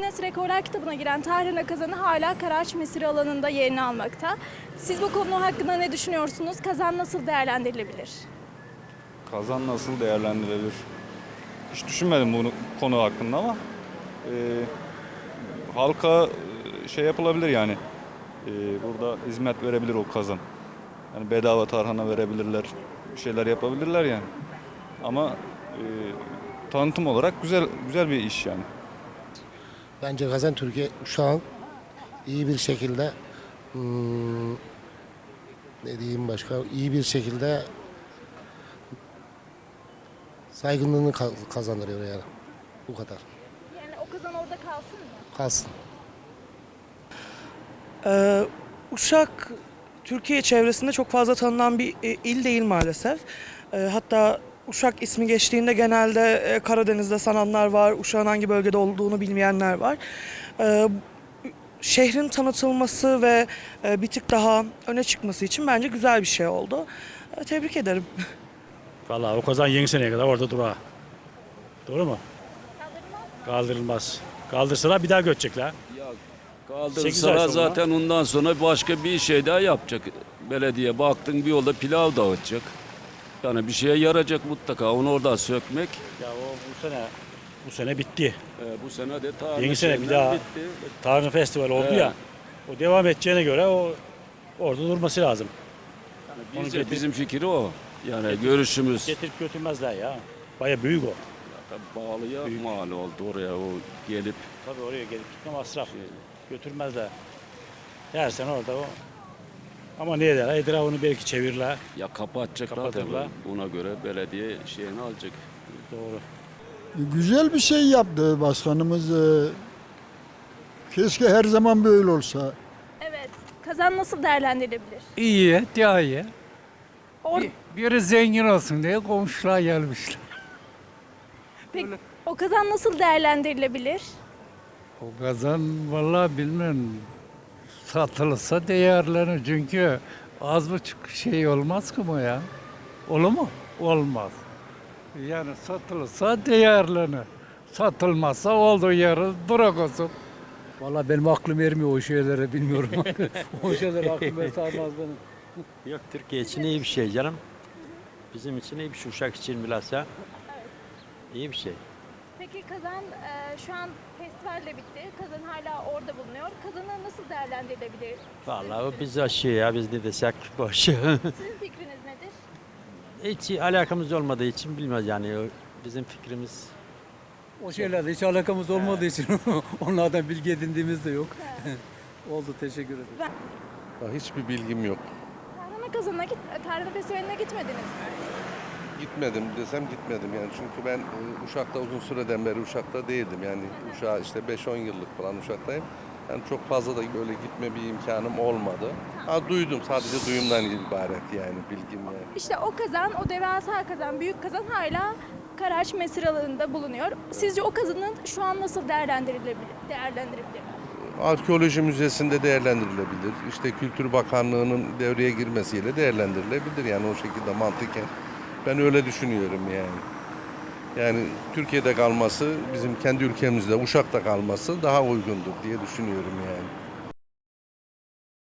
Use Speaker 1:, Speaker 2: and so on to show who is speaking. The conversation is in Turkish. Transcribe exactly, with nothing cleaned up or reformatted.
Speaker 1: Guinness Rekorlar kitabına giren Tahrana kazanı hala Karaağaç Mesire alanında yerini almakta. Siz bu konu hakkında ne düşünüyorsunuz? Kazan nasıl değerlendirilebilir?
Speaker 2: Kazan nasıl değerlendirilir? Hiç düşünmedim bunu konu hakkında ama e, halka e, şey yapılabilir yani. E, burada hizmet verebilir o kazan. Yani bedava tarhana verebilirler. Bir şeyler yapabilirler yani. Ama e, tanıtım olarak güzel güzel bir iş yani.
Speaker 3: Bence Kazan Türkiye şu an iyi bir şekilde hmm, ne diyeyim başka iyi bir şekilde saygınlığını ka- kazandırıyor yani. Bu kadar.
Speaker 1: Yani o kazan orada kalsın mı?
Speaker 3: Kalsın.
Speaker 4: Ee, Uşak, Türkiye çevresinde çok fazla tanınan bir e, il değil maalesef. Ee, hatta Uşak ismi geçtiğinde genelde e, Karadeniz'de sananlar var, Uşak'ın hangi bölgede olduğunu bilmeyenler var. Ee, Şehrin tanıtılması ve e, bir tık daha öne çıkması için bence güzel bir şey oldu. Ee, tebrik ederim.
Speaker 5: Vallahi o kazan yeni seneye kadar orada dura. Doğru mu? Kaldırılmaz. Kaldırsalar bir daha göçecekler. sekiz ay
Speaker 6: Kaldırsalar
Speaker 5: sonra.
Speaker 6: zaten ondan sonra başka bir şey daha yapacak. Belediye baktın bir yolda pilav dağıtacak. Yani bir şeye yarayacak mutlaka. Onu oradan sökmek.
Speaker 5: Ya o bu sene bu sene bitti.
Speaker 6: E, bu sene de tarih
Speaker 5: Yeni sene bir
Speaker 6: şeyinden
Speaker 5: daha
Speaker 6: bitti.
Speaker 5: Tarhana Festivali oldu
Speaker 6: Evet.
Speaker 5: ya. O devam edeceğine göre o orada durması lazım. Onu
Speaker 6: Biz de-
Speaker 5: getir-
Speaker 6: bizim fikri o. Yani
Speaker 5: Getir-
Speaker 6: görüşümüz.
Speaker 5: Getirip götürmezler ya. Baya büyük o.
Speaker 6: Tabii Bağlıya mal oldu oraya o gelip.
Speaker 5: Tabii oraya gelip gitme masraf. Götürmezler. Her sene orada o. Ama ne eder? Etrafını belki çevirirler.
Speaker 6: Ya kapatacaklar
Speaker 5: Kapatırlar.
Speaker 6: tabii. Buna göre belediye şeyini alacak.
Speaker 5: Doğru.
Speaker 7: Güzel bir şey yaptı başkanımız. Ee, Keşke her zaman böyle olsa.
Speaker 1: Evet. Kazan nasıl değerlendirilebilir?
Speaker 8: İyi, daha iyi.
Speaker 1: Or
Speaker 8: Bir, biri zengin olsun diye komşular gelmişler.
Speaker 1: Peki, o kazan nasıl değerlendirilebilir?
Speaker 8: O kazan vallahi bilmem satılırsa değerlenir çünkü az buçuk şey olmaz ki bu ya. Olur mu? Olmaz. Yani satılırsa değerlenir. Satılmazsa olduğu yeri durak olsun.
Speaker 9: Vallahi benim aklım ermiyor o şeylere bilmiyorum. O şeyler aklım sarmaz benim.
Speaker 10: Yok Türkiye için iyi bir şey canım. Bizim için iyi bir şey. Uşak için bilhassa iyi bir şey.
Speaker 1: Peki kazan e, şu an festivalle bitti. Kazan hala orada bulunuyor. Kazanı nasıl değerlendirilebilir?
Speaker 10: Vallahi o bizi aşıyor ya biz ne desek boş.
Speaker 1: Sizin fikriniz nedir?
Speaker 10: Hiç alakamız olmadığı için bilmez yani o bizim fikrimiz.
Speaker 9: O şeylerle hiç alakamız olmadığı için onlardan bilgi edindiğimiz de yok. Oldu, teşekkür ederim.
Speaker 11: Hiçbir bilgim yok.
Speaker 1: Tarhana kazanına git, Tarhana Festivali'ne gitmediniz mi?
Speaker 11: Gitmedim desem gitmedim yani çünkü ben e, Uşak'ta uzun süreden beri Uşak'ta değildim yani Uşak'a işte beş on yıllık falan Uşak'tayım. Yani çok fazla da böyle gitme bir imkanım olmadı. Ha duydum sadece duyumdan ibaret yani bilgim yani.
Speaker 1: İşte o kazan, o devasa kazan, büyük kazan hala Karaağaç Mesire alanında bulunuyor. Sizce o kazanın şu an nasıl değerlendirilebilir? değerlendirilebilir?
Speaker 11: Arkeoloji Müzesi'nde değerlendirilebilir. İşte Kültür Bakanlığı'nın devreye girmesiyle değerlendirilebilir yani o şekilde mantıken. Ben öyle düşünüyorum yani. Yani Türkiye'de kalması, bizim kendi ülkemizde Uşak'ta kalması daha uygundur diye düşünüyorum yani.